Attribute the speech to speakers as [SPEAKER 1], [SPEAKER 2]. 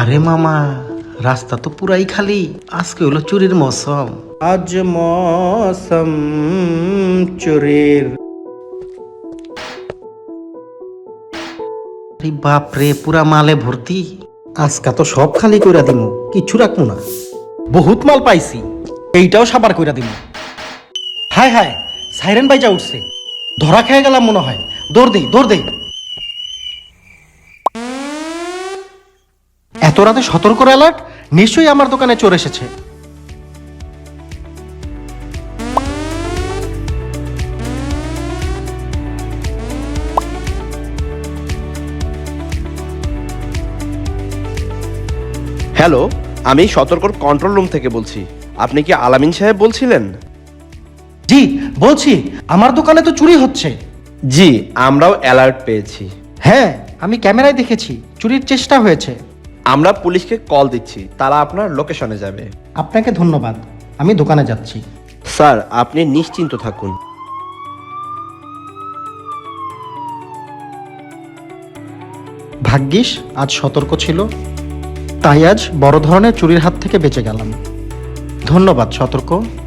[SPEAKER 1] আরে মামা, রাস্তা তো পুরাই খালি। আজকে হলো চুরির মৌসুম। আজ মৌসুম চুরির। আরে বাপ রে, পুরা মালে ভর্তি। আজকা তো সব খালি কইরা দিমু, কিচ্ছু রাখবো না। বহুত মাল পাইছি, এইটাও সাবার কইরা দিমু। হায় হায়, সাইরেন বাইজা উঠছে। ধরা খেয়ে গেলাম মনে হয়। দৌড় দেই, দৌড় দেই। এত রাতে সতর্ক অ্যালার্ট, নিশ্চয়ই আমার দোকানে চোর এসেছে।
[SPEAKER 2] হ্যালো, আমি সতর্কর কন্ট্রোল রুম থেকে বলছি। আপনি কি আলামিন সাহেব বলছিলেন?
[SPEAKER 1] জি বলছি, আমার দোকানে তো চুরি হচ্ছে।
[SPEAKER 2] জি, আমরাও অ্যালার্ট পেয়েছি।
[SPEAKER 1] হ্যাঁ, আমি ক্যামেরায় দেখেছি চুরির চেষ্টা হয়েছে।
[SPEAKER 2] আমরা পুলিশকে কল দিচ্ছি, তারা আপনার লোকেশনে যাবে।
[SPEAKER 1] আপনাকে ধন্যবাদ, আমি দোকানে যাচ্ছি।
[SPEAKER 2] স্যার, আপনি নিশ্চিন্ত থাকুন।
[SPEAKER 1] ভাগ্যিস আজ সতর্ক ছিল, তাই আজ বড় ধরনের চুরির হাত থেকে বেঁচে গেলাম। ধন্যবাদ সতর্ক।